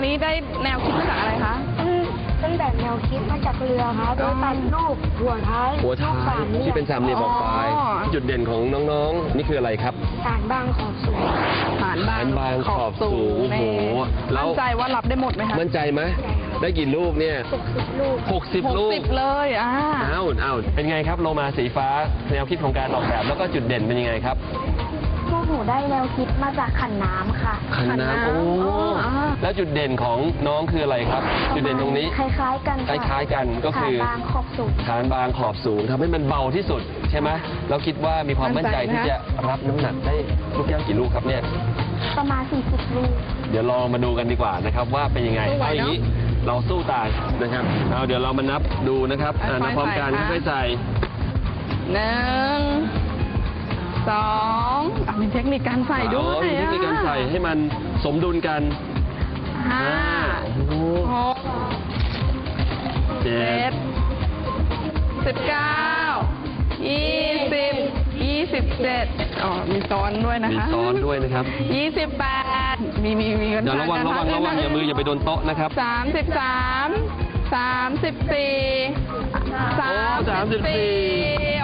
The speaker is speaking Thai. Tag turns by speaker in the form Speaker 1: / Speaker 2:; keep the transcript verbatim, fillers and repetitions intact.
Speaker 1: นี้ได้แนวคิดมาจากอะไรคะ
Speaker 2: ตั้งแต่แนวคิดมาจากเรือครับโดยตัดรูปหัวท้าย
Speaker 3: หัวท้ายที่เป็นสามเหลี่ยมออกไป
Speaker 1: อ๋อ
Speaker 3: จุดเด่นของน้องๆ นี่คืออะไรครับ
Speaker 2: ฐานบางขอบสูง
Speaker 1: ฐานบาง
Speaker 3: ฐานบางขอบสูง
Speaker 1: แน่
Speaker 3: โอ้โหแล้ว
Speaker 1: มั่นใจว่ารับได้หมดไหมคะ
Speaker 3: มั่นใจไหมได้กี่ลูกเนี่ย
Speaker 2: หกสิบลูก
Speaker 3: หกสิบ
Speaker 1: หก
Speaker 3: ลูก
Speaker 1: สิบเลยอ่า
Speaker 3: อ้าวอ้าวเป็นไงครับโลมาสีฟ้าแนวคิดของการออกแบบแล้วก็จุดเด่นเป็นยังไงครับ
Speaker 2: พวกหนูได้แนวคิดมาจากขันน้ำค่ะ
Speaker 3: ขันน้ำโอ้
Speaker 1: อ่า
Speaker 3: แล้วจุดเด่นของน้องคืออะไรครับ จุดเด่นตรงนี้
Speaker 2: คล้ายๆกัน
Speaker 3: คล้ายๆกันก็คือ
Speaker 2: ฐานบางขอบสูง
Speaker 3: ฐานบางขอบสูงทำให้มันเบาที่สุดใช่ไหมเราคิดว่ามีความมั่นใจที่จะรับน้ำหนักได้ลูกแก้วกี่ลูกครับเนี่ย
Speaker 2: ประมาณสี่สิบลูก
Speaker 3: เดี๋ยวลองมาดูกันดีกว่านะครับว่าเป็นยังไง
Speaker 1: สู้ไหว
Speaker 3: เอาอย่างนี้
Speaker 1: เนอะ
Speaker 3: เราสู้ตายนะครับเอาเดี๋ยวเรามานับดูนะครับ
Speaker 1: ค่อยๆ
Speaker 3: อ่านับพร้อมกัน
Speaker 1: ใส่ค่ะ
Speaker 3: ค่อยๆใส่
Speaker 1: หนึ่งสองอ่ะมีเทคนิคการใส่ด้ว
Speaker 3: อ๋อย มีเทคนิคการใส่ให้มันสมดุลกัน
Speaker 1: ห้า
Speaker 3: โอ้โห
Speaker 1: หก
Speaker 3: เจ็
Speaker 1: เจ็
Speaker 3: ด
Speaker 1: ดสิบเก้ายี่สิบยี่สิบเจ็ดอ๋อมีซ้อนด้วยนะ
Speaker 3: มี
Speaker 1: คะ
Speaker 3: ซ้อนด้วยนะครับ
Speaker 1: ยี่สิบแปดมีมีมีกัน
Speaker 3: เดี๋ยวระวังระวังระวังอย่ามืออย่าไปโดนโต๊ะนะครับ
Speaker 1: สามสิบสามสามสิบสี่
Speaker 3: โอ้สามสิบสี่